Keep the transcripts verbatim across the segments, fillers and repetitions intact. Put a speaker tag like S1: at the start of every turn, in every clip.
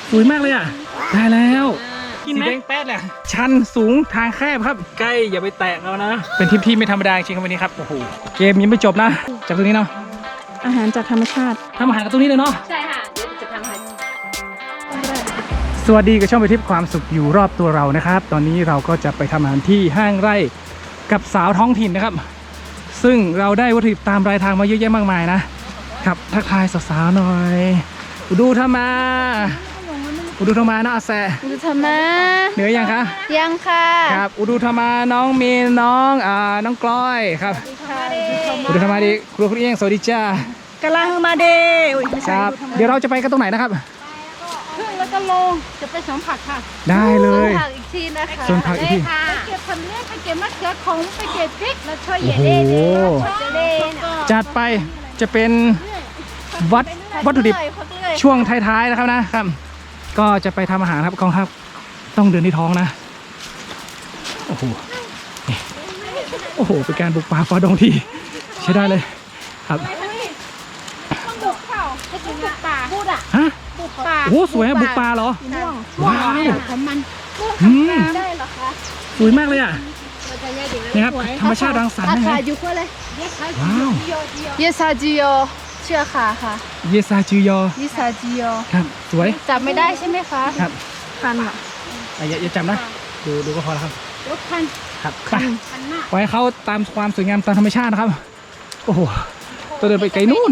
S1: สวยมากเลยอ่ะได้แล้วสีแดงแป๊ดเลยชันสูงทางแคบครับใกล้อย่าไปแตะเรานะเป็นทริปที่ไม่ธรรมดาจริงครับวันนี้ครับโอ้โหเกมยังไม่จบนะจากตรงนี้เนาะ
S2: อาหารจากธรรมชาติ
S1: ทำอาหารกับตรงนี้เลยเนาะ
S3: ใช่ค่ะเดี๋ยวจะทำอาหาร
S1: สวัสดีกับช่องไปทิพย์ความสุขอยู่รอบตัวเรานะครับตอนนี้เราก็จะไปทำอาหารที่ห้างไร่กับสาวท้องถิ่นนะครับซึ่งเราได้วัตถุดิบตามรายทางมาเยอะแยะมากมายนะครับทักทายสาวๆหน่อยอุดูธรรมาอุดูธรรมานะอาแซ
S2: อุดูธรรมา
S1: เหนือยังคะ
S2: ยังค่ะ
S1: ครับอุดูธรรมาน้องมีนน้องอ่าน้องกล้อยครับอุดูธรรมาดีครูครูเอียงสวัสดีจ้าก
S2: ำลังมาเด
S1: ครับเดี๋ยวเราจะไปกันตรงไหนนะครับ
S2: ขึ้นแล้วก็ลงจะไปสวนผักค่ะ
S1: ได้เลย
S2: ผักอีกทีนะคะ
S1: สวนผักอีกที
S2: ไปเก็บผักเล็กไปเก็บมะเขือขมไปเก็บพริกแล้วช่วยเย่เล่เนี่ย
S1: จัดไปจะเป็นวัดวัตถุดิบช่วงท้ายๆนะครับนะครับก็จะไปทำอาหารครับกองครับต้องเดินที่ท้องนะโอ้โหโอ้โหเป็นการบุกป่าฝ่าดงที่ใช้ได้เลยครับ
S2: ต้องบุกเปล่าให้ถึงบุกป่าพูดอ่ะ
S1: ฮะ
S2: บุกป่า
S1: โอ้สวยบุกป่าเหรอว้าว
S2: ของมันได้เหรอคะ
S1: สวยมากเลยอ่ะนี่ครับธรรมชาติรังสรรค์นะฮะว้าว
S2: เยซาจิโยเชื่อค่ะค่ะ
S1: เยซาจิโย
S2: เยซาจิโย
S1: ครับสวย
S2: จับไม่ได้ใช่ไหมคะ
S1: ครับ
S2: คันอ่ะ
S1: อย่าอย่าจับนะดูดูก็พอแล้วครับ
S2: รถคัน
S1: ครับไปไว้เขาตามความสวยงามตามธรรมชาตินะครับโอ้โหตัวเดินไปไกลนู่น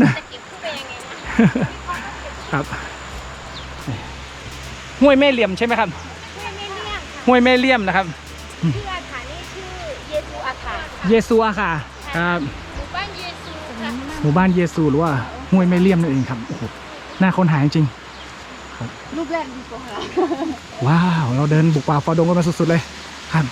S1: นะครับห้วยแม่เหลี่ยมใช่ไหมครับห้วยแม่เหลี่ยมนะครับ
S3: ชื่ออาถานี่ชื่อเยซูอาถา
S1: เยซูอาค่ะครับ
S3: หมู่บ้านเยซูค่ะ
S1: หมู่บ้านเยซูหรือว่าห้วยแม่เหลี่ยมนั่นเองครับโอ้โหน่าค้นหาจริงครับ
S2: รูปแรกดีกว่า
S1: ว้าวเราเดินบุกป่าฝ่าดงกันมาสุดๆเลยครับ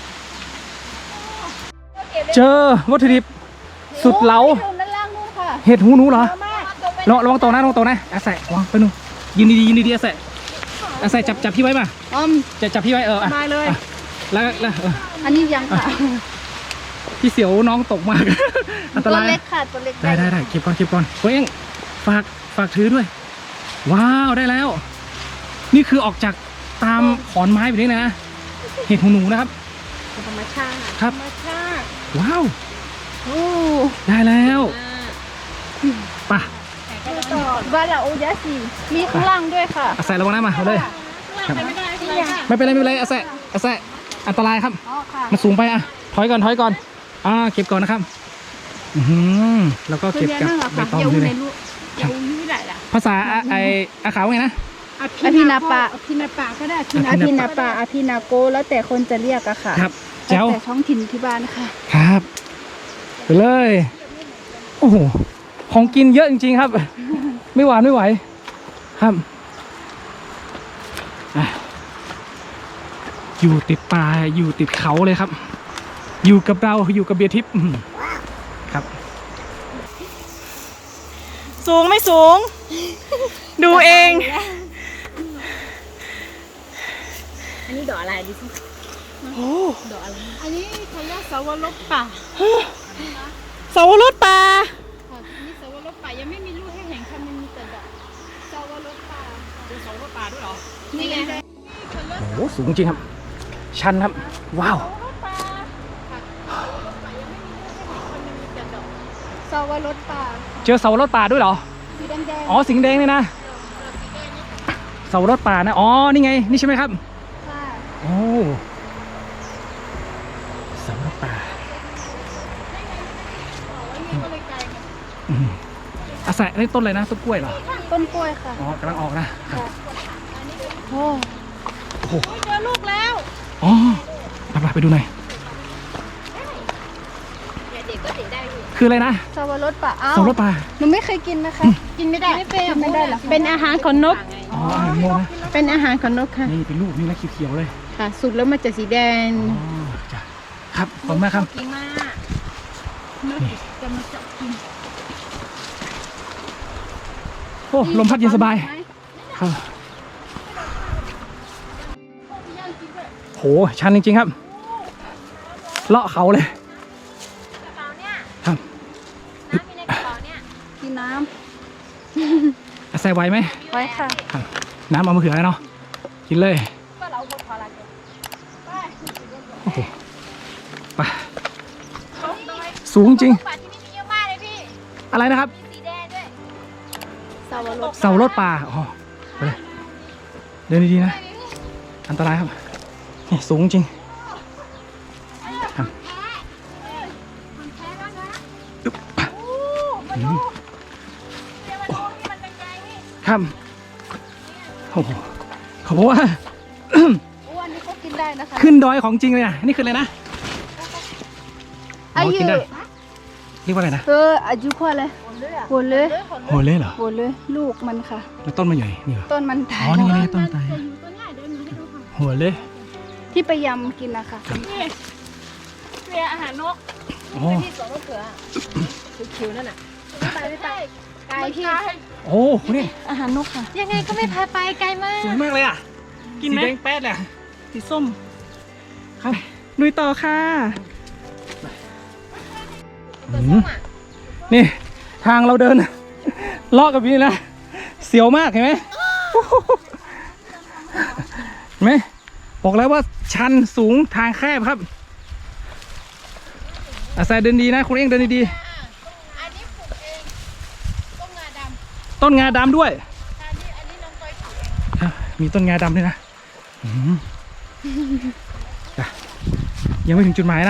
S1: เจอวัตถุดิบสุดเหลาเห็ดหูหนูเหรอลองลองโตนะลองโตนะอาศัยวางไปนู่นยินดียินดีอาศัยอาศัยจับจับพี่ไว้ป่ะจะจับพี่ไว้เออ
S2: ได้เลย
S1: แล้วแล้ว
S2: อันนี้ยังค่ะ
S1: พี่เสียวน้องตกมากอันตราย
S2: ตัวเล็กค่ะตัวเล็ก
S1: ได้ได้ได้เก็บก่อนเก็บก่อนเฮ้ยฝากฝากถือด้วยว้าวได้แล้วนี่คือออกจากตามขอนไม้แบบนี้นะเห็ดหูหนูนะครับ
S2: ธรรมชาติ
S1: ครับ
S2: ธรรมชาติ
S1: ว้าว
S2: โอ้
S1: ได้แล้วป่ะ
S2: บ้านเราโอยาสีมีข้างล่างด้วยค่ะ
S1: อาศัยระวังนะมาเอาเลยไม่เป็นไรไม่เป็นไรอาศัยอาศัยอันตรายครับมันสูงไปอ่ะถอยก่อนถอยก่อนอ่าเก็บก่อนนะครับอือแล้วก็เก็บกับใบตองด้วยเลยภาษาไออาขาวไงนะ
S2: อภินาปะอภินาปะก็ได้อภินาปะอภินาโกแล้วแต่คนจะเรียกอะค่ะ
S1: ครับเจ้า
S2: แต่ท้องถิ่นที่บ้านค่ะ
S1: ครับไปเลยโอ้โหของกินเยอะจริงๆครับไม่หวานไม่ไหวครับอยู่ติดป่าอยู่ติดเขาเลยครับอยู่กับเราอยู่กับเบียร์ทิพย์ครับ
S2: สูงไม่สูงดูเอง
S3: อันนี้ดอกอะไรดิสิ
S2: โอ้
S3: ดอกอะไร
S2: อันนี้เขาเรียกสาวรสป่าสาวรสป่า
S3: นี่สาวรสป่ายังไม่มีลูกให้เห็นค่ะมันมีแต่ดอกสาวรสป่าเป็นสาวรสป่าด้วยเหรอนี่ไง
S1: โอ้สูงจริงครับชันครับว้าว
S2: สาวรสป่า
S1: เจอเสารถป่าด้วยเหรอ
S2: สีแดง
S1: อ๋อสีแดงนี่นะเสารถป่านะอ๋อนี่ไงนี่ใช่ไหมครับ
S2: ค่ะ
S1: โอ้เสารถป่าอาศัยนี่ต้นอะไรนะต้นกล้วยเหรอ
S2: ต้นกล้วยค่ะ
S1: อ๋อกำลังออกนะ
S2: โอ้
S1: โห
S2: เจอลูกแล้ว
S1: อ๋อไปไปดูหน่อยคืออะไรนะ
S2: สาวรสป่า
S1: สาวรสป่า
S2: หนูไม่เคยกินนะคะกินไม่ได้
S3: ไม่เป็น
S2: ไม่ได้หรอ
S3: เป็นอาหารของนก
S1: อ๋ออาหารนกนะ
S2: เป็นอาหารของนกค่ะ
S1: นี่เป็นลูกนี่นะเขียวๆเลย
S2: ค่ะสุกแล้วมันจะสีแดง
S1: อ๋อจ้ะครับขอบคุณมากครับ
S3: กินมากนกจะมาจับกิน
S1: โอ้ลมพัดเย็นสบายครับโหชันจริงๆครับเลาะเขาเลยครับ
S3: น้ำมีในกระเป๋าเนี่ย
S2: กินน้
S1: ำอาศัยไหวไหม
S2: ไหวค่ะ
S1: ครับน้ำเอามะเขือเนาะกินเลย
S2: ก็เราพอละเกินไป
S1: โอ้โหไปสูงจริง
S2: ป่าที่นี่มีเยอะมากเลยพี่
S1: อะไรนะครับ
S2: มีสีแดงด้วยสาวรส
S1: เสารถป่าอ๋อไปเลยเดินดีๆนะอันตรายครับนี่สูงจริงครับ
S2: มันแพ้แล้วนะ
S1: อึ๊บ
S2: โอ้มาดูเดี๋ยวมาดูที่มันเป็นไงนี่
S1: ครับโอ้โหเขาบอกว่า
S2: อ้วนนี่ก็กินได้นะคะ
S1: ขึ้นดอยของจริงเลยนะนี่คืออะไรนะอ๋อกินได้เรียกว่าอะไรนะ
S2: เอออายุพอเลยหมดเลย
S1: โหเล่เหรอ
S2: หมดเลยลูกมันค่ะ
S1: แล้วต้นมันใหญ่นี่เหรอ
S2: ต้นมันตา
S1: อ๋
S2: ย
S1: อนี่ไงต้นตายโหเล่
S2: ที่ไปยำกินนะคะ
S3: เรียอาหารนก
S1: อ๋อ
S3: ที่สวนมะเขือคิวๆนั่นน่ะ
S2: ไม่ไปไม่ไปไกลพี่
S1: โอ้โหนี่
S2: อาหารนกค่ะ ยังไงก็ไม่พาไปไกลมาก
S1: สวยมากเลยอ่ะ
S3: กินไหม
S1: สีแดงแป๊ดเลยอะ
S3: สีส้ม
S1: ครับ
S3: ลุยต่อค่ะ
S1: อืมนี่ทางเราเดิน เลาะกับนี่นะเสียวมากเห็นไหมเห็นไหมบอกแล้วว่าชันสูงทางแคบครับอาศัยเดินดีนะคุณเองเดินดี
S2: อันนี้ปลูกเองต้นงาด
S1: ๆต้นงาดำด้วย
S2: ำอันนี้อันนี้น้องก้อยปลูกเอง
S1: อ่ะมีต้นงาดำด้วยนะอืมอ่ะยังไม่ถึงจุดหมายนะ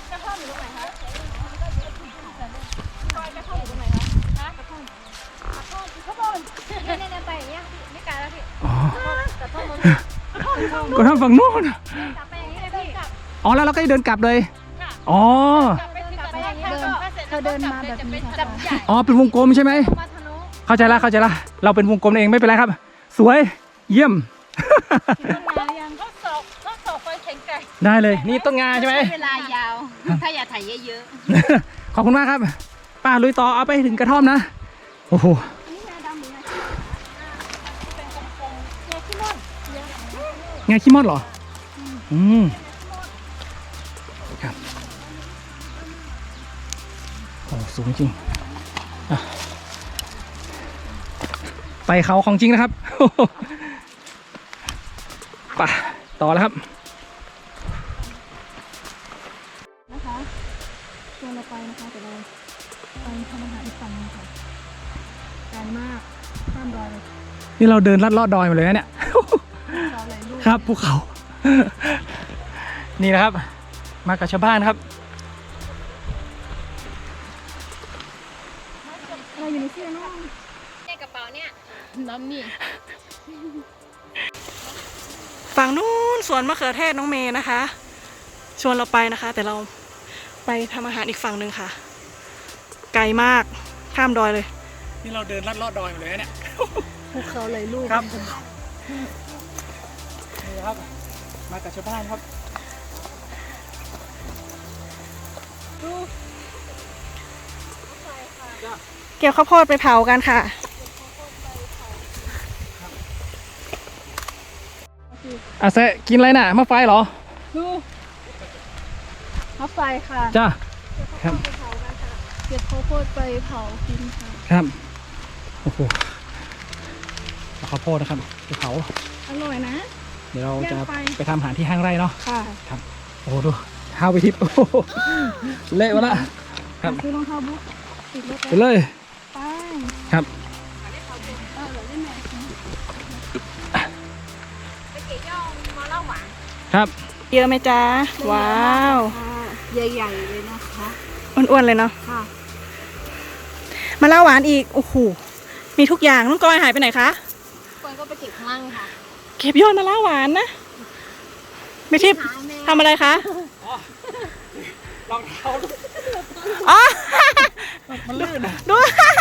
S2: เนี่ยเนี่ยไปอย่างเงี้ยไม่ไกลแล้วพี่
S1: อ๋อ
S2: แต่ต้นมัน
S1: ก็ทำฝั่งนู้น
S2: กลับไปอย่างเงี้ยพี่กลับ
S1: อ๋อแล้วเราก็เดินกลับเลยอ๋อ
S2: กลับไปกลับไปอย่างเงี้ยเดินเธอเดินมาแบบนี้จับใหญ่
S1: อ๋อเป็นวงกลมใช่ไหม
S2: มาทะลุ
S1: เข้าใจละเข้าใจละเราเป็นวงกลมเองไม่เป็นไรครับ สวยเยี่ยม
S2: มายังก็สอบก็สอบไปแข็งแกร่ง
S1: ได้เลยนี่ต้นงาใช่ไหม
S2: เวลายาว ถ้าอย่าถ่ายเยอะ
S1: ขอบคุณมากครับป้าลุยต่อเอาไปถึงกระท่อมนะโอ้โห
S2: ๆนี่งาดำหรืองาเป็นกลมๆงาขี้ม่อน
S1: งาขี้มอดเหรออืมครับโอ้สูงจริงอ่ะไปเขาของจริงนะครับ ไปต่อแล้วครับ
S2: นะคะชวนเราไปนะคะแต่เราไปทำอาหารอีกฝั่งนึงค่ะไกลมากข้ามดอย
S1: นี่เราเดินลัดเลาะดอยมาเลยนะเนี่ย
S2: เราเลยลูก
S1: ครับภูเขา นี่นะครับ มากับชาวบ้านครับ
S2: เราอยู่ในเสื้อน้องในกระเป๋าเนี่ยน้ำนี่
S3: ฝั่งนู้นสวนมะเขือเทศน้องเมย์นะคะ ชวนเราไปนะคะ แต่เราไปทำอาหารอีกฝั่งหนึ่งค่ะ ไกลมากข้ามดอยเลย
S1: นี่เราเดินลัดเลาะดอยมาเลยนะเนี่ย
S2: ภูเขาเลยลูก
S1: ครับ นี่ครับ มากับชาวบ้านครับ
S3: เกี่ยวข้าวโพดไปเผากันค่ะ
S1: อาเซะกินอะไรน่ะมะไฟเหรอ
S2: ดูข้าวไฟค่ะ
S1: จ้าครับ
S2: ไปเผากันค่ะเก็บข้าวโพดไปเผากินค่ะ
S1: ครับโอ้โหเอาข้าวโพดนะครับไปเผา
S2: อร่อยนะ
S1: เดี๋ยวเราจะ
S2: ย่างไฟ
S1: ไปทำอาหารที่ห้างไร่เนาะ
S2: ค่ะ
S1: ครับโอ้โหดูเท้าไปทิพย์โอ้โหเละวะละครับ
S2: คือรองเท้าบุ๊กติดรถ
S1: ไปเลย
S2: ไป
S1: ครับ
S2: เออเหลือได้ไหมไปเกี่ยวมาเล่าหวาน
S1: ครับ
S3: เยอะไหมจ๊ะ ว้าว
S2: ใหญ่ๆเลยนะคะ
S3: อ้วนๆเลยเนาะ
S2: ค่ะ
S3: มาล่าหวานอีก โอ้โห มีทุกอย่างน้องกอยหายไปไหนคะ
S2: คนก็ไปเก็บข้างล่างค่ะ
S3: เก็บยอดมาล่าหวานนะไม่ทิพย์
S2: หาแม่
S3: ทำอะไรคะ
S1: รองเท้า
S3: อ๋อ
S1: มันลื่นอะ
S3: ดู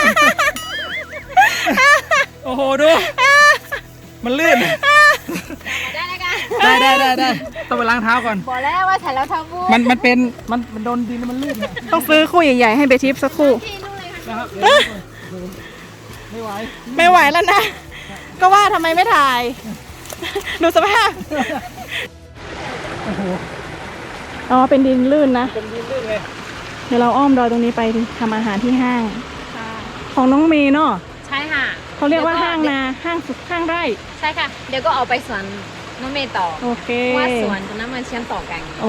S1: โอ้โหดู มันลื่น
S2: ได้เลยกัน
S1: ได้ได้ได้ได้ต้องไปล้างเท้าก่อน
S2: บอกแล้วว่าใส่แล้วทำบุ๊ก
S1: มันมันเป็นมันมันโดนดินแล้วมันลื่นอะ
S3: ต้องซื้อคู่ใหญ่ๆให้เบทิปสักคู่
S2: พี่นู่นเลยค่ะ
S1: นะครับเดี๋ยวไม่ไหว
S3: ไม่ไหวแล้วนะ ก็ว่าทำไมไม่ถ่าย ดูสภาพ
S1: โอ้โห
S3: อ๋อ เป็นดินลื่นนะ
S1: เป็นดินลื่นเลย
S3: เดี๋ยวเราอ้อมดอยตรงนี้ไปทำอาหารที่ห้าง ของน้องเมย์เนาะ
S2: ใช่ค่ะ
S3: เขาเรียกว่าห้างนาห้างสุดห้างไร่
S2: ใช่ค่ะ เดี๋ยวก็เอาไปสวนน้องเมย์ต่อ
S3: โอเค
S2: ว่าสวนตรงนั้นมันเชื่อมต่อกัน
S3: โอ้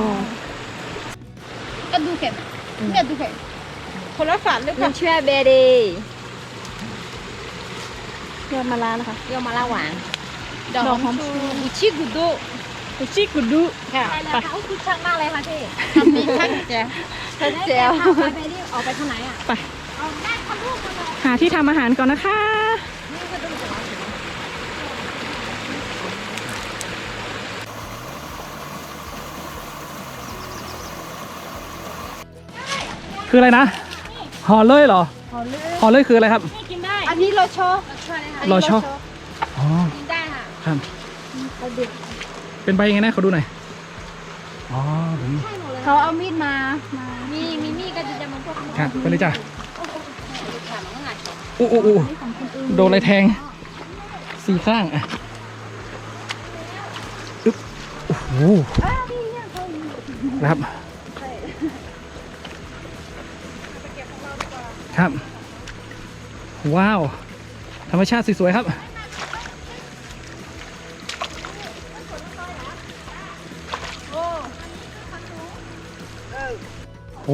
S2: ก็ดูเข็มเนี่ยดูเข็ม
S3: คนละฝันหรือเป
S2: มั
S3: ล่าน
S2: เชื่อเบดี
S3: ยอดมะระนะคะ
S2: เรียกมาละหวาน
S3: ดอกหอมชู
S2: อุชิกุดุ
S3: อุชิกุดุ
S2: ค่ะ
S3: ไป
S2: ไปเขาคือช่างมากเลยค่ะพี่ทำเป็นช่างแจ๋วช่างแจ๋วไปไปดิออกไปทางไหนอ่ะ
S3: ไป
S2: เอาได้ทำรูปมาเลย
S3: หาที่ทำอาหารก่อนนะคะ
S2: นี่ก็ดูจากเราถึง
S1: คืออะไรนะห่อเลยเหรอ
S2: เอาเลย
S1: ห่อเลยคืออะไรครับ
S3: นี่กินได้
S2: อันนี้โลโชอันนี้
S1: โลโช อ๋อ
S2: กินได้ค่ะ
S1: ครับ
S2: เขาดึก
S1: เป็นใบยังไงนะเขาดูหน่อยอ๋อผม
S2: เขาเอามีดมา มา มีมีมีดก็จะจะมาพวก
S1: ครับไปเลยจ้ะ
S2: ค่ะมันก็งัด
S1: อู้อู้อู้
S2: ของคนอื่น
S1: โดนอะไรแทงสี่ข้างอ่ะอึ๊บโอ้โห
S2: อ้าวนี่เนี่ยเขา
S1: นะครับ ครับ ว้าว ธรรมชาติสวยๆครับ โอ้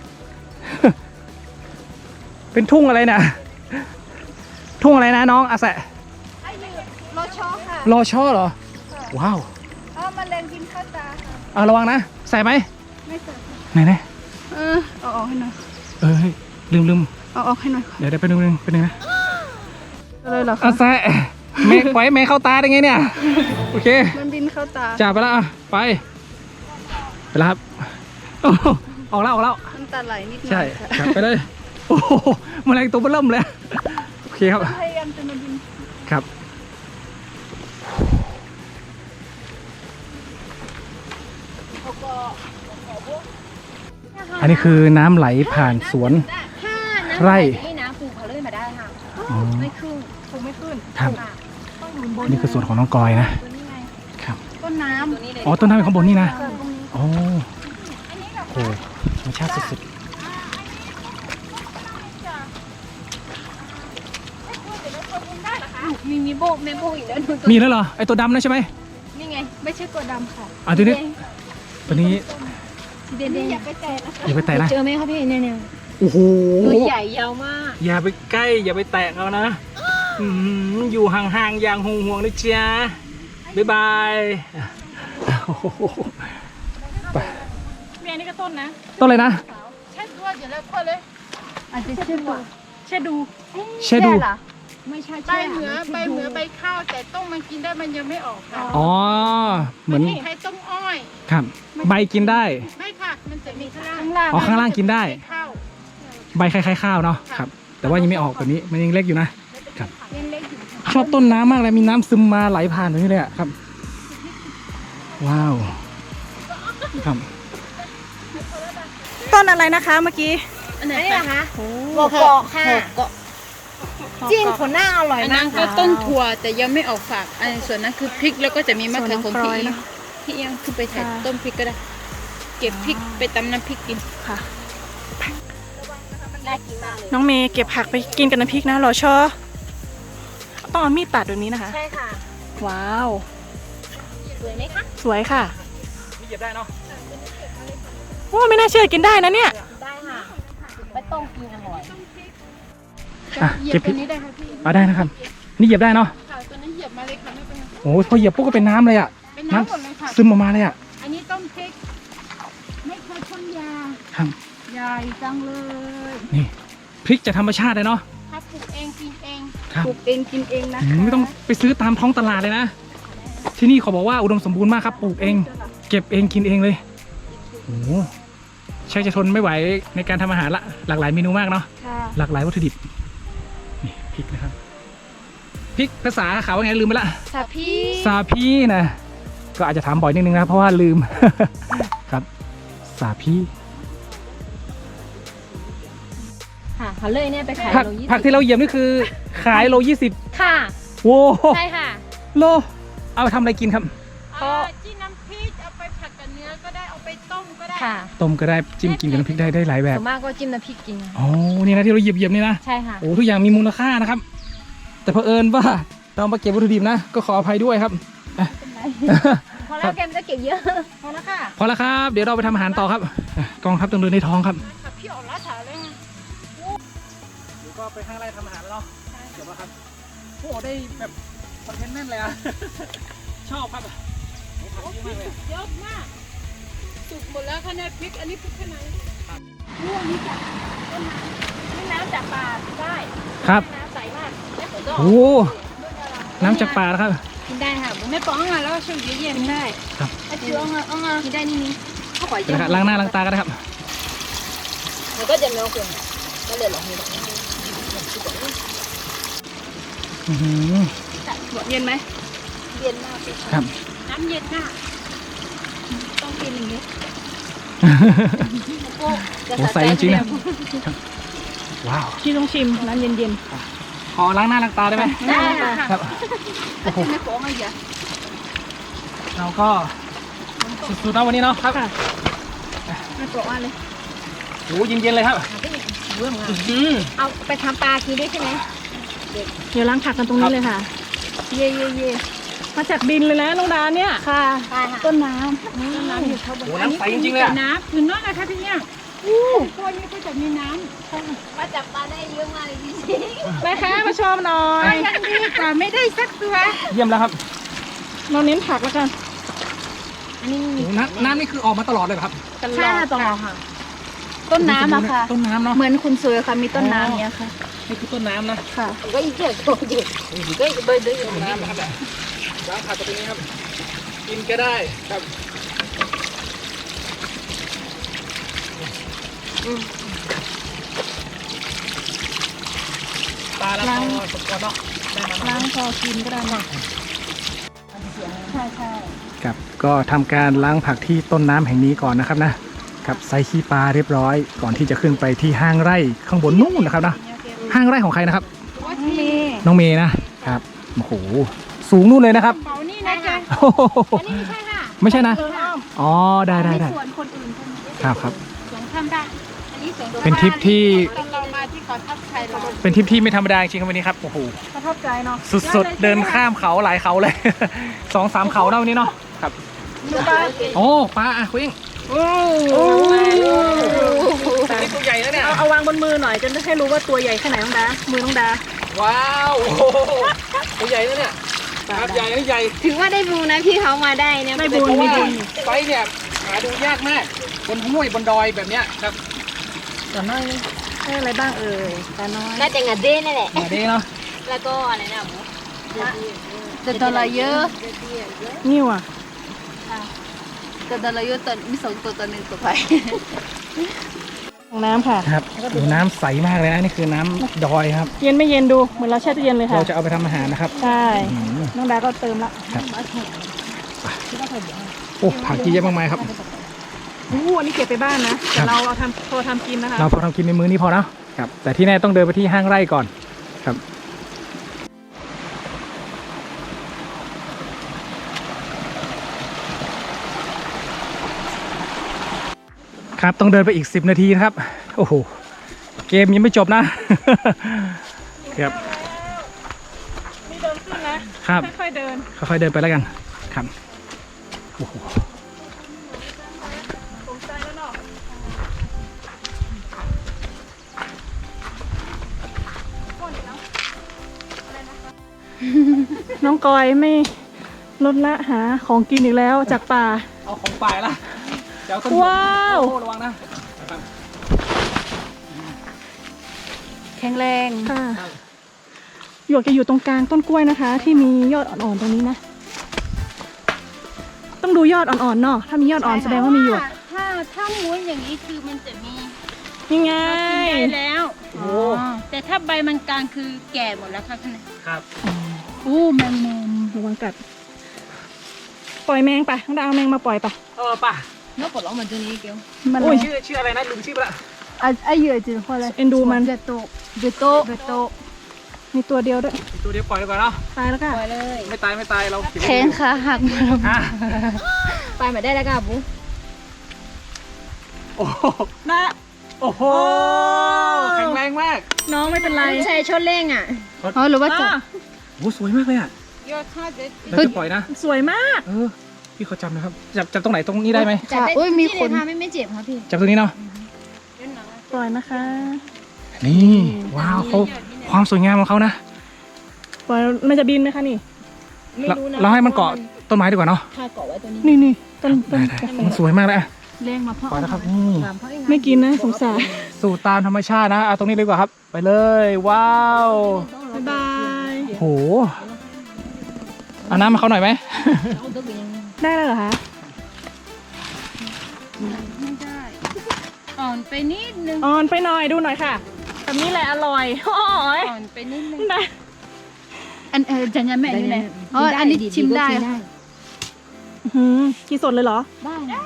S1: เป็นทุ่งอะไรนะทุ่งอะไรนะน้องอาแสะ
S2: โลโชค่ะ
S1: รอช่อเหรอ ว้าว
S2: เอามาเล่นกินข้าวตาค่ะ
S1: เอาระวังนะ ใส่ไหม
S2: ไม่เสร็จ
S1: ไหนไหน
S2: เออเอาออกให้หน่อย
S1: เออเฮ้ยลืมลืม
S2: เอาออกให้หน่อย
S1: เดี๋ยวเดี๋ยวไปดูนึงไปดูนะ
S2: เลยเหรอ
S1: อาแสะเมฆปล่อยให้เมฆเข้าตาได้ไงเนี่ย โอเค
S2: มันบินเข้าตา
S1: จ่าไปแล้วอ่ะไป ไปแล้วครับโอ้โหออกแล้วออกแล้ว
S2: น้ำตาไหลนิดหน่อย
S1: ใช่
S2: ค่ะ
S1: ครับไปเลย โอ้โหแมลงตัวเบิ่มเลย โอเคครับ
S2: พยายามจะมาบิน
S1: ครับ อันนี้คือน้ำไหลผ่านสวน
S2: ถ้าน้ำ
S1: ไร่
S2: นี่นะปลูกเขาเลยมาได้ค่ะ
S1: อ๋อ
S2: ไม่ขึ้นปลูกไม่ขึ้น
S1: ครับ
S2: ค่ะต้องหนุนบน
S1: นี่คือสวนของน้องกอยนะ
S2: ตัวนี้ไง
S1: ครับ
S2: ต้นน้ำตัวนี้เลย
S1: อ๋อต้นน้ำอยู่ข้างบนนี่นะ
S2: ตรงนี้
S1: โอ้โหธรรมชาติสุด
S2: มีมีโบกแม่โบกอีกแล้วดูตัว
S1: ๆมีแล้วเหรอ ไอตัวดำนะใช่ไหม
S2: นี่ไง ไม่ใช่ตัวดำค่ะ
S1: อ่ะตัวนี้ ตัวนี้
S2: สีแดงๆอย่าไปแตะนะคะ
S1: อย่าไปแตะนะ
S2: เจอไหมคะพี่เนี่ยเนี่ย
S1: โอ้โห
S2: ตัวใหญ่ยาวมาก
S1: อย่าไปใกล้ อย่าไปแตะเอานะอืมอยู่ห่างๆ อย่างห่วงๆนะจ๊ะบ๊ายบายโอ้โหไป
S3: เมียนี่ก็ต้นนะ
S1: ต้นอะไรนะ
S3: แช่ตัวเดี๋ยวแล้วพ่อเลย
S2: อาจจะชื่อว่า
S3: แช่ดู
S1: เชดู
S2: เหรอไม่ใช่
S4: ใบเหนือใบเหนือใบข้าวแต่ต้มมันกินได้มันยังไม่ออกค่ะ
S1: อ๋อ เหมือน
S4: ใช้ต้มอ้อย
S1: ครับ ใบกินได้
S4: ไม่ค่ะ มันจะมีข้างล่าง
S2: ข้างล่าง
S1: อ๋อ ข้างล่างกินได้
S4: ข้าว
S1: ใบคล้ายๆข้าวเนาะ ครับ แต่ว่ายังไม่ออกแบบนี้ มันยังเล็กอยู่นะ ครับ
S2: เล็กๆอยู่
S1: ชอบต้นน้ำมากเลย มีน้ำซึมมาไหลผ่านแบบนี้เลยอะครับ ว้าว ครับ
S3: ต้นอะไรนะคะเมื่อกี้
S2: อันไหนเหรอคะ
S3: โอ้
S2: โกโกะค่ะจิ้มผลหน้าอร่อย
S4: อัน
S2: มา
S4: นั้
S2: ก
S4: นก็
S2: ค่ะ
S4: ต้นถั่วแต่ยังไม่ออกฝากอันส่วนนั้นคือพริกแล้วก็จะมีมะเขือของ
S3: ส่วนน้องพล
S4: พี่
S3: อย
S4: เอีย
S3: นะ
S4: งพี่เอียงคือไปถ่าย
S3: ค่ะ
S4: ต้นพริกก็ได้ เก็บพริกไปตำน้ำพริกกิน
S3: ค่ะ
S2: น่ากินมากเลย
S3: น้องเมย์เก็บผักไปกินกับน้ำพริกนะรอชอต้องเอามีดตัดแบบนี้นะคะ
S2: ใช่ค่ะ
S3: ว้าว
S2: สวยไหมคะ
S3: สวยค่ะ
S1: นี่เหยียบได้เนาะ
S3: โอ้ไม่น่าเชื่อกินได้นะเนี่ย
S2: ได้ค่ะไปต้มกินอร่อย
S1: อ่ะ
S4: เหยีย
S1: เก็
S4: บบ
S1: พ
S4: ตั
S1: ริ
S4: ว
S1: ก
S4: นี้ได้ค่ะพี่
S1: เอาได้นะครับ นี่เหยียบได้เนาะ
S4: ค่ะตัวนี้เหยียบมาเลยค่ะไม่เป็นไร
S1: โอ้โหพอเหยียบปุ๊บก็เป็นน้ำเลยอะ
S4: เป็นน้ำหมดเลยค่ะ
S1: ซึมออกมาเลยอะ
S4: อันนี้ต้มพริก ไม่เคยพ่นยา
S1: ครับ
S4: ใหญ่จังเลย
S1: นี่พริกจากธรรมชาติเลยเนาะ
S4: ถ้าปลูกเองกินเอง
S1: ครับ
S2: ปลูกเองกินเองนะ
S1: อืมไม่ต้องไปซื้อตามท้องตลาดเลยนะ ที่นี่เขาบอกว่าอุดมสมบูรณ์มากครับ ปลูกเอง เก็บเองกินเองเลย โอ้โหใช่จะทนไม่ไหวในการทำอาหารละ หลากหลายเมนูมากเนาะ
S2: ค่ะ
S1: หลากหลายวัตถุดิบ นี่พริกนะครับ พริกภาษาเขาว่าไงลืมไปละ
S2: สาพี่
S1: ซาพีนะ ก็อาจจะถามบ่อยนิดนึงนะเพราะว่าลืม ครับ ซาพี
S2: ค่ะเขาเลยเนี่ยไปขาย
S1: ผัก
S2: โลยี่
S1: ผัก
S2: สิบ
S1: ที่เราเหยียบนี่คือขายโลยี่สิบ
S2: ค่ะ
S1: โว้โห
S2: ใช่ค่ะ
S1: โล เอาไปทำอะไรกินครับ
S4: อ่าจิ้มน้ำพริกเอาไปผัดกับเนื้อก็ได้เอาไปต้มก็ได้
S2: ค่ะ
S1: ต้มก็ได้จิ้มกินกับน้ำพริกได้ได้หลายแบบ
S2: ส่วนมากก็จิ้มน้ำพริกกินนะ
S1: อ๋อ นี่นะที่เราเหยียบเหยียบๆนี่นะ
S2: ใช่ค่ะ
S1: โอ้ทุกอย่างมีมูลค่านะครับแต่เผอิญว่าเรามาเก็บวัตถุดิบนะก็ขออภัยด้วยครับอ่ะ
S2: พอแล้วแกมจะเก็บเยอะ
S4: พอแล้วค่ะ
S1: พอแล้วครับ เดี๋ยวเราไปทำอาหารต่อครับอ่ะกองทัพต้องเดินในท้องครับ
S4: ขับพี่ออกล่าถาเลย
S1: เดี๋ยวก็ไปข้างไร่ทำอาหารแล้วเนาะเดี๋ยวครับโอ้ได้แบบคอนเทนต์แน่นเลยอะ ชอบครับโอ้ผักเยอะมากเลย
S4: เยอะมากสุกหมดแล้วคะแนนพริกอันนี้พริกแค่ไหน
S2: นี่นี่จากต้นน้ำนี่น้ำจากป่าได้
S1: ครับ
S2: น้ำใสมากแล้วผมก็
S1: โอ้น้ำจากป่านะครับ
S2: กินได้ค่ะ
S4: ไม่ป้องอ่ะแล้วช่วงเย็น
S2: กินได้
S1: ครับ
S2: ไอ้เชื้ออ่ะอ่ะกินได้นี่นี่ข้าวปล่อย
S1: เดี๋ยวนะครับล้างหน้าล้างตากันนะครับ
S2: มันก็จะเนื้อเกินก็เลยหลอกมีหลอก
S1: อื้อหือ
S3: เย็นไหม
S2: เย็นมากเลย
S1: ครับ
S4: น้ำเย็นค่ะ
S2: ต้องกินอย่างนี้โอ้
S1: โอ้ใสจริงๆนะว้าว
S3: พี่ต้องชิมน้ำเย็น
S1: ขอล้างหน้าล้างตาได้ไหม
S3: ๆได้ค่ะ
S1: ครับโอ้โห
S2: ไม่ฟ้องอะไรอ่ะ
S1: เราก็สุดๆนะวันนี้เนาะครับ
S3: ค่ะ
S2: ไม่ฟ้องอะไรเลย
S1: โอ้เย็นๆเลยครับ
S2: เรื่องอะ
S1: อื้อหือ
S2: เอาไปทำปลากินได้ใช่ไหม
S3: เดี๋ยวล้างผักกันตรงนี้เลยค่ะ
S2: เย่เย่เย่
S3: มาจากดินเลยนะน้องดาเนี่ย
S2: ค่ะต้นน้ำต้นน้ำอยู่ข้างบน
S1: โอ้น้ำใสจริงๆเลยอะ
S4: น้ำคืนนั่นนะคะพี่เนี่ยตัวนี้ก็จะมีน้ำ
S2: มาจับปลาได้เยอะมากเลยจริง
S3: แม่ค้ามาชมหน่อย
S4: ยังดีกว่าไม่ได้สักตัว
S1: เยี่ยมแล้วครับ
S3: เราเน้นผักแล้วกัน
S2: ๆอันนี้
S1: โอ้น้ำน้ำนี่คือออกมาตลอดเลยเหรอครับ
S3: ตล
S2: ใช่
S3: อด
S2: ค่ะตรงค่ะ ต้นน้ำอะค่ะ
S1: ต้นน้ำเนาะ
S2: เหมือนคุณสวยค่ะมีต้นน้ำเนี้ยค่ะ
S1: นี่คือต้นน้ำนะ
S2: ค่ะก็อีกเดียวโตอยู่ก็อีกเบอร์ด้วยอยู่
S1: ต้นน้ำนะครับเนี่ยล้างผักตัวนี้ครับ กินก็ได้ครับปลาแล้วก็สดก่อนเนาะได้มา
S3: ล้างพอกินก็ได้นะ
S2: ใช่ใช่
S1: ครับก็ทำการล้างผักที่ต้นน้ำแห่งนี้ก่อนนะครับนะครับใส่ขี้ปลาเรียบร้อย ก่อนที่จะขึ้นไปที่ห้างไร่ข้างบนนู่นนะครับนะห้างไร่ของใครนะครับ
S2: มี
S1: น้องเมย์นะครับโอ้โหสูงนู่นเลยนะครับ
S4: เป๋านี่นะจ๊ะ
S1: โอ้โห
S2: อันนี้ไม่ใช่ค่ะ
S1: ไม่ใช่นะ
S3: เอออ้อม
S1: อ๋อได้ได้ได้
S2: สวนคนอื่นคนนี้
S1: ครับครับ
S2: สวนทำได้อันนี้สวน
S1: เป็นทริปที่
S4: ตอนเรามาที่เขาทับไทยเรา
S1: เป็นทริปที่ไม่ธรรมดาจริงๆครับวันนี้ครับโอ้โห
S3: ประทับใจเนาะ
S1: สุดๆเดินข้ามเขาหลายเขาเลย สองสามเขาเนาะวันนี้เนาะครับโอ้ปลาอ่ะคุยง
S3: โอ้
S1: นี่ตัวใหญ่แล้วเนี่ย
S3: เอาเอาวางบนมือหน่อยจะได้ให้รู้ว่าตัวใหญ่แค่ไหนน้องดา มือน้องดา
S1: ว้าวโอ้โหตัวใหญ่แล้วเนี่ยครับใหญ่แล้วใหญ่
S2: ถือว่าได้บูนะที่เขามาได้เนี่ย
S3: ไม่
S1: เพ
S3: บุญ
S1: ราะ
S3: ไม่
S1: ว่า
S3: บุญ
S1: ไซส์เนี่ยหาดูยากมากบนห้วยบนดอยแบบเนี้ยครับ
S3: ต่อหน้าให้อะไรบ้างเอ่ยตาน้อย
S2: น่าจะงาเด้นี่แหละ
S1: มาดีเนาะ
S2: แล้วก็อะไรนะหมูแต่ตัวละเยอะ
S3: นิ้วอ่ะ
S2: แต่ตัวละเยอะตัวมีสองตัวตัวหนึ่งตัวไป
S3: ของน้ำค่ะ
S1: ครับดูน้ำใสมากเลยนะนี่คือน้ำดอยครับ
S3: เย็นไม่เย็นดูเหมือนเราแช่ตู้เย็นเลยค่ะ
S1: เราจะเอาไปทำอาหารนะครับ
S3: ใช่
S1: อืม
S3: น้องดาก็เติมละ
S1: โอ้ผักเยอะมากมายครับ
S3: อู้อันนี้เก็บไปบ้านนะ
S1: ครั
S3: แต่
S1: บ
S3: เราเอาทำพอทำกินนะคะ
S1: เราพอทำกินในมื้อนี้พอเนาะครับแต่ที่แน่ต้องเดินไปที่ห้างไร่ก่อนครับครับต้องเดินไปอีกสิบนาทีนะครับโอ้โหเกมยังไม่จบนะ ครับ
S3: มีเดินขึ้นนะครับ ค่อยๆเดิน
S1: ค่อยๆเดินไปแล้วกันครับโอ้โห
S3: สนใจแล้วเนาะน้องกอยไม่ลดละหาของกินอีกแล้วจากป่า
S1: เอาของป่ายละเดี๋ยวต้น
S3: ว้าว
S1: โอ้โหระวังนะ
S2: แข็งแรง
S3: ค่ะหยวกจะอยู่ตรงกลางต้นกล้วยนะคะ ที่มียอดอ่อนๆตรงนี้นะ ต้องดูยอดอ่อนๆเนาะถ้ามียอดอ่อนแสดงว่ามีหยวก
S2: ถ้าถ้าม้วนอย่างนี้คือมันจะมี
S3: นี่ไง
S4: กินได้แล้ว
S1: โอ้
S4: แต่ถ้าใบมันกลางคือแก่หมดแล้วค่ะข้างใน
S1: ครับ
S4: อู้แมงมุม
S3: ระวังกัด ปล่อยแมงไปต้องดาวแมงมาปล่อยไป
S1: เออป่ะ
S2: นกปลดล็อกมันตัวนี้เกี่ยว
S3: มัน
S1: โอ้ยชื่อชื่ออะไรนะลืมชื่อไปละ
S2: อ่ะไอเหยื่อจืดพอเลย
S3: เอ็นดูมัน
S2: เบโตเบโตเบโต
S3: มีตัวเดียวด้วย
S1: อีกตัวเดียวปล่อยเลยก่อนเนาะ
S3: ตายแล้วก็
S2: ปล่อยเลย
S1: ไม่ตายไม่ตายเราเก็บไว้
S2: แขนขาหักมาแล้ว
S1: อ่ะ
S2: ไปมาได้แล้วกับบุ๊
S1: โอ้โห
S3: นะ
S1: โอ้โหแข็งแรงมาก
S3: น้องไม่เป็นไร
S2: ใช่ชดเล่งอ่ะอ๋อหรือว่าจบ
S1: โอ้สวยมากเลยอ่ะ
S4: ยอดท่าเด็ด
S1: เราจะปล่อยนะ
S3: สวยมาก
S1: เออพี่เขาจำนะครับจับจับตรงไหนตรงนี้ได้ไหม
S2: จับได้อุ้ยมีคนไม่ไม่เจ็บครับพี่
S1: จับตรงนี้เนาะ
S3: ปล่อยนะคะ
S1: นี่ว้าวเขาความสวยงามของเขานะ
S3: ปล่อยมันจะบินไหมคะนี่
S2: ไม่รู้นะ
S1: เราให้มันเกาะต้นไม้ดีกว่าเนาะ
S2: ถ้าเกาะไว้ตัวนี้
S3: นี่นี่ต้นต้
S1: ได้
S3: น
S1: ได้มันสวยมากเลยอะ
S2: เล่งมาเพราะ
S1: ปล่อยนะครับนี่
S2: ถามเขาเอง
S3: ไม่กินนะสงสาร
S1: สู่ตามธรรมชาตินะเอาตรงนี้เลยดีกว่าครับ ไปเลยว้าว
S3: บ๊ายบาย
S1: โหเอาน้ำมาเขาหน่อยไหม
S3: ได้แล้วเหรอคะ
S2: ไม่ได้อ่อนไปนิดนึง
S3: อ่อนไปหน่อยดูหน่อยค่ะแบบนี้แหละอร่อยโอ้ย
S2: อ่อนไปนิดนึง
S3: นะ
S2: อันเออจันยันแม่นี่แหละอ๋ออันนี้ชิมได้
S3: อื้อหือกินสดเลยเหรอ
S2: ได้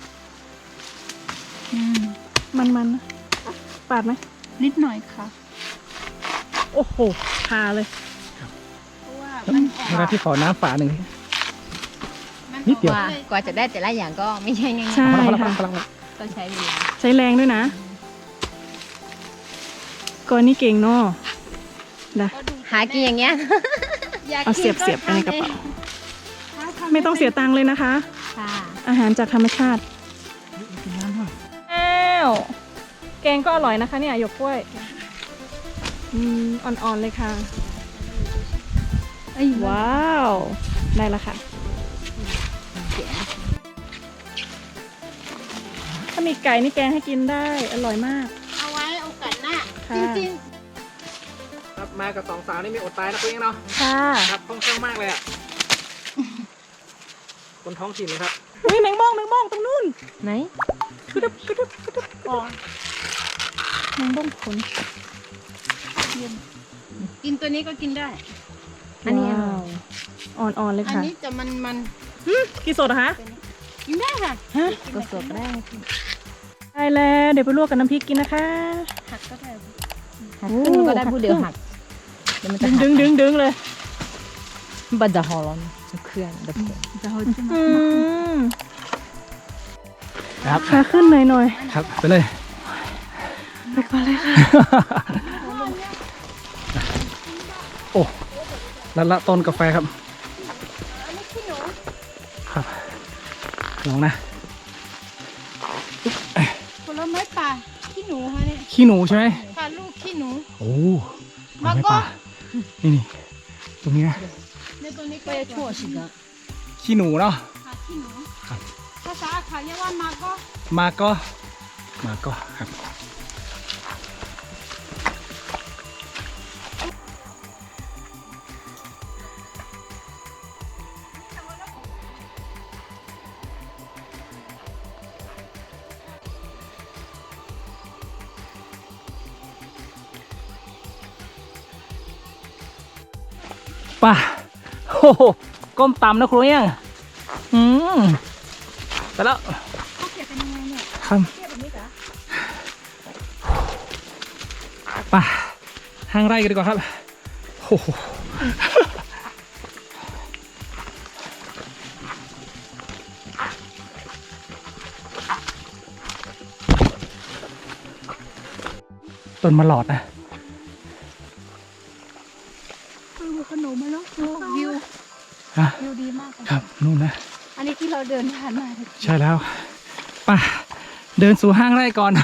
S3: มันมันนะปาดไหม
S2: นิดหน่อยค่ะ
S3: โอ้โหพาเลย
S2: เพราะว่ามันอ่อน
S1: เวลาพี่ขอน้ำฝาหนึ่งนิดเดียว
S2: กว่ากว่าจะได้แต่ละอย่างก็ไม่ใช่ง่าย
S3: ใช่
S1: พอแล้วพอ
S3: ค่ะ
S1: แล้วพอแล้ว
S2: ๆต้องใช้เวลา
S3: ใช้แรงด้วยนะก่อนนี่เก่งเนาะนะ
S2: หากินอย่างเงี้ย
S3: เอาเสียบเสียบไปในกระเป๋าไม่ต้องเสียตังค์เลยนะคะ
S2: ค่ะ
S3: อาหารจากธรรมชาติแล้วแกงก็อร่อยนะคะเนี่ยหยวกกล้วยอืมอ่อนๆเลยค่ะว้าวได้แล้วค่ะถ้ามีไก่นี่แกงให้กินได้อร่อยมาก
S4: เอาไว้โอกาสหน้า
S3: ค่ะ
S4: จริง
S1: ครับมากับสองสาวนี่มีอดตายนะคุณเองเนาะ
S3: ค่ะ
S1: ครับคล่องแคล่วมากเลยอ่ะคนท้องถิ่นเลยครับ
S3: อุ้ยแมงม่องแมงม่องตรงนู้น
S2: ไหน
S3: กระดึบกระดึบกระดึบอ่อนแมงม่องขน
S4: ๆกินตัวนี้ก็กินได้
S2: อันนี้
S3: ว้าวอ่อนๆเลย
S4: อัน
S3: ค่ะ
S4: นี้จะมันมัน
S3: กี่สดเหรอคะ
S4: กินได้ค่ะ
S3: ฮะ
S2: ก็สดได้
S3: ได้แล้วเดี๋ยวไปลวกกับน้ำพริกกินนะคะ
S4: หักก็ได้
S2: หักขึ้นก็ได้พูดเดียวหักเดี๋ยวมันจะ
S3: ดึง
S2: หัก
S3: ดึงดึงดึงเลย
S2: บันจะหอร้อนเครื่องเดี๋ยวจะหอ
S3: อืม
S1: ครับ
S3: ขาขึ้นหน่อยหน่อย
S1: ครับไปเลย
S3: ไปก่อนเลยค่ะ
S1: โอ้ละละต้นกาแฟครับครับลองนะ
S4: ผลไม้ป่าขี้หนูค่ะเนี่ย
S1: ขี้หนูใช่ไหม
S4: ค่ะลูกขี้หนู
S1: โอ้
S4: มา
S1: ไม่
S4: ก็
S1: ป่านี่นี่ตรงนี้นะ
S4: ในตัวนี้ก็
S2: ไปทั่วสิกะ
S1: ขี้หนูเนาะ
S4: ค่ะขี้หนู
S1: ครับ
S4: ภาษาเขาเรียกว่ามาก็
S1: มาก็มาก็ครับป่ะโอ้โหก้มต่ำนะครูยังอืมไปแล้วครับป่ะห้างไร่กันดีกว่าครับโอ้โหต้นมะหลอดนะ
S2: ขนมมาแล้ววิว
S1: ฮะ
S2: วิวดีมาก
S1: ครับนู่นนะ
S2: อันนี้ที่เราเดินผ่านมา
S1: ใช่แล้วป่ะเดินสู่ห้างไร่ก่อน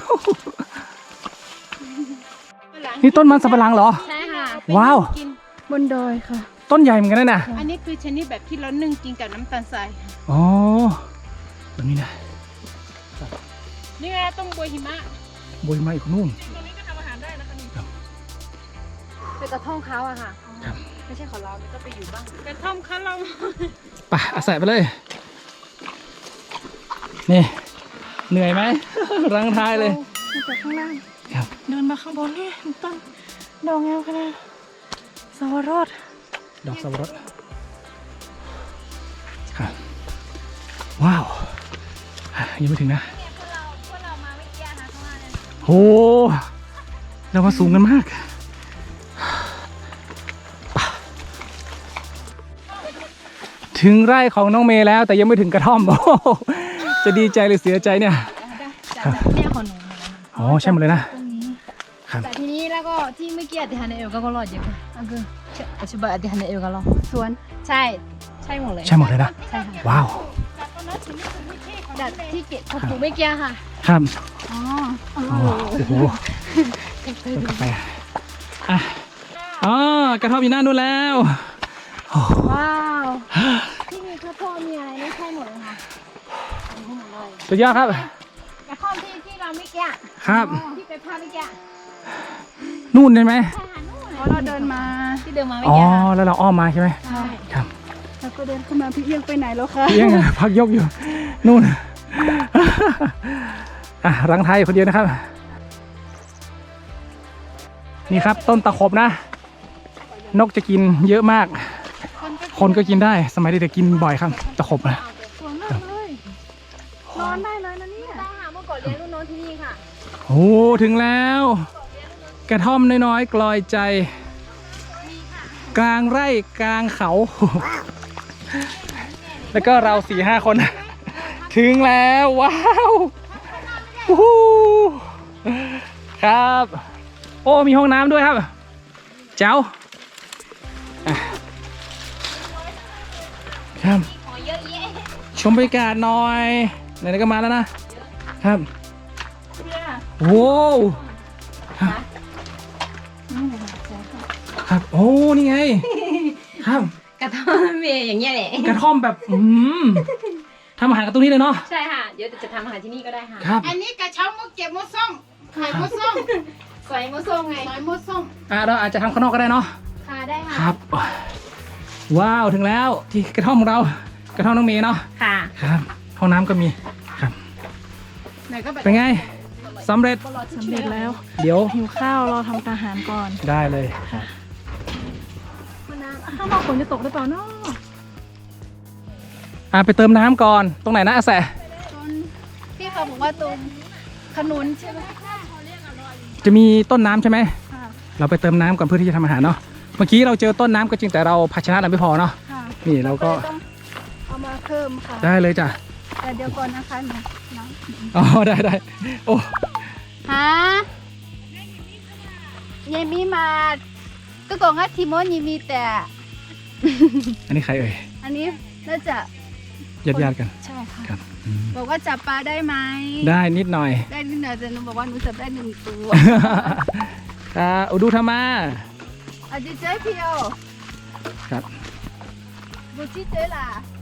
S1: นี่ต้นมันสับปะหลังเหรอ
S4: ใช่ค่ะ
S1: ว้าว
S4: กิน
S2: บนดอยค่ะ
S1: ต้นใหญ่เหมือนกันนะน่ะ
S4: อันนี้คือชนิดแบบที่เรานึ่งกินกับน้ำตาลทราย
S1: อ๋อแบบนี้นะ
S4: นี่ไงต้มบัวหิมะ
S1: บยมาอีกนู่น
S3: ตรงนี้ก็ทำอาหารได้นะคะนี่
S2: เป็นกระท่องเขาอะค่ะ
S1: ครับ
S2: ไม่ใช่ของเราก็ไปอยู่บ้าง
S4: กระท่อมข้าวเรา
S1: ป่ะอาศัยไปเลย นี่ เหนื่อยไหม รังท้ายเลย
S3: มาจากข้างล่าง
S1: ครับ
S3: เดินมาข้างบนนี่ต้นดอกแงวขนาดสวรส
S1: ดอกสับปะรดครับ ว้าว ยังไม่ถึงนะโหเรามาสูงกันมากป่ะถึงไร่ของน้องเมย์แล้ว แต่ยังไม่ถึงกระท่อม โอ้โหจะดีใจหรือเสียใจเนี่ย
S2: เนี่ยของหนู
S1: อ๋อใช่หมดเลยนะ
S2: ตรงนี้
S1: ครับ
S2: แต่ทีนี้แล้วก็ที่เมื่อกี้อธิษฐานในเอวก็รอดเยอะค่ะอันคืออธิบายอธิษฐานในเอวก็รอดสวนใช่ใช่หมดเลย
S1: ใช่หมดเลยนะ
S2: ใช่ค่ะ
S1: ว้าว
S2: แต่ที่เก็บเขาปลูกเมื่อกี้ค่ะ
S1: ครับ
S2: อ๋อ
S1: โอ้โหต้นกาแฟอ่ะอ๋อกระท่อมอยู่หน้านู้นแล้วโอ้
S2: ว้าวที่มีข้าวโพดมีอะไรนี่ใช่หมดเลยค่ะใช่หมดเลย
S1: สุดยอดครับ
S2: กระท่อมที่ที่เราเมื่อกี้
S1: ครับ
S2: ที่ไปพาเมื่อกี้
S1: นู่นใช่ไหม
S2: เพราะเราเดินมาที่เดินมาเมื่อ
S1: อ๋อ
S2: กี้ค่ะ
S1: แล้วเราอ้อมมาใช่ไหม
S2: ใช่
S1: ครับ
S2: แล้วก็เดินเข้ามาพี่เอียงไปไหนแล้วคะ
S1: เพียงอะพักยกอยู่ นู่น อ่ะรังไทยคนเดียวนะครับ นี่ครับต้นตะขบนะ นกจะกินเยอะมาก คนก็กินได้ สมัยเด็กๆกินบ่อยครับ ตะขบนะ
S2: สวยมากเลยนอนได้เลยนะเนี่ยได้ค่ะเมื่อก่อนเลี้ยงลูกน้องที่นี่ค่ะ
S1: โอ้ถึงแล้ว กระท่อมน้อยๆกลอยใจ กลางไร่กลางเขา แล้วก็เราสี่ห้าคน ถึงแล้วว้าววู้ฮู้ครับ โอ้มีห้องน้ำด้วยครับ เจ้าอ่ะครับชมบรรยากาศหน่อยไหนๆก็มาแล้วนะครับโว้วครับครับโอ้นี่ไงครับ
S2: กระท่อมเมย์อย่างเงี้ยแหละ
S1: กระท่อมแบบอืมทำอาหารกันตรงนี้เลยเนาะ
S2: ใช่ค่ะ เดี๋ยวจะทำอาหารที่นี่ก็ได้ค่ะ
S1: ครับ
S4: อันนี้กระเช้ามุกเก็บมุกส้มขายมุกส้ม
S2: ใส่มะส้มไง
S4: ขายมุกส้ม
S1: อ่ะเราอาจจะทำข้างนอกก็ได้เนาะ
S2: ค่ะได้ค่ะ
S1: ครับ ว้าวถึงแล้วที่กระท่อมของเรา กระท่อมน้องเมย์เนาะ
S2: ค่ะ
S1: ครับห้องน้ำก็มีครับ
S2: ไหนก็แบบ
S1: เป็นไงสำเร็จ
S3: สำเร็จแล้ว
S1: เดี๋ยว
S3: หิวข้าวรอทำอาหารก่อน
S1: ได้เลยครับ
S3: ข้างนอกฝนจะตกหรือเปล่าเนาะ
S1: อ่ะไปเติมน้ำก่อนตรงไหนนะอาแส
S2: ตรงพี่เขาบอกว่าตรงขนุนใช่ไหม
S1: จะมีต้นน้ำใช่ไหม
S2: ค่ะ
S1: เราไปเติมน้ำก่อนเพื่อที่จะทำอาหารเนาะเมื่อกี้เราเจอต้นน้ำก็จริงแต่เราภาชนะเราไม่พอเนาะ
S2: ค่ะ
S1: นี่เราก็
S2: ต้องเอามาเพิ่มค่ะ
S1: ได้เลยจ้ะ
S2: แต่เดี๋ยวก่อนนะคะหนูน้
S1: อ๋อได้ได้โอ้
S2: ำฮะยายมีมาก็กองว่าทีโมนยังมีแต่
S1: อันนี้ใครเอ่ย
S2: อันนี้น่าจะ
S1: ญาติญาติๆกัน
S2: ใช่ค่ะ
S1: ครับอืม
S2: บอกว่าจับปลาได้ไหม
S1: ได้นิดหน่อย
S2: ได้นิดหน่อยแต่หนูบอกว่าหนูจับได้หนึ่งตัว
S1: อ่าอุดูธรรมา
S2: อาจจะเจ๊เพียว
S1: ครับ
S2: บูชิเจ๊ล่ะ